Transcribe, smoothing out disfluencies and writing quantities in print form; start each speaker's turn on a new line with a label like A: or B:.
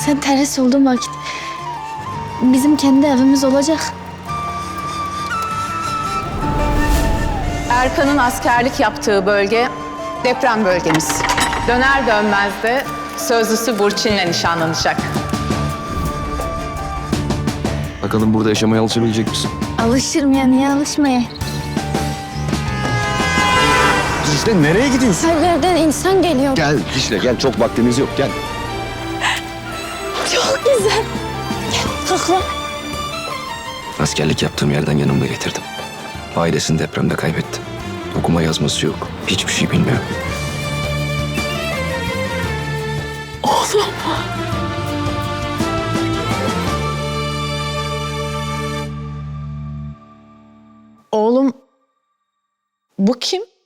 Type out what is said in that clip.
A: Sen terhis olduğun vakit bizim kendi evimiz olacak.
B: Erkan'ın askerlik yaptığı bölge deprem bölgemiz. Döner dönmez de sözlüsü Burçin'le nişanlanacak.
C: Bakalım burada yaşamaya alışabilecek misin?
A: Alışırım ya, niye alışmaya?
C: Dicle nereye gidiyorsun?
A: Her yerden insan geliyor.
C: Gel Dicle gel, çok vaktimiz yok, gel.
A: Çok güzel. Gel kalk lan.
C: Askerlik yaptığım yerden yanımda getirdim. Ailesini depremde kaybetti. Okuma yazması yok. Hiçbir şey bilmiyor.
A: Oğlum.
B: Oğlum, bu kim?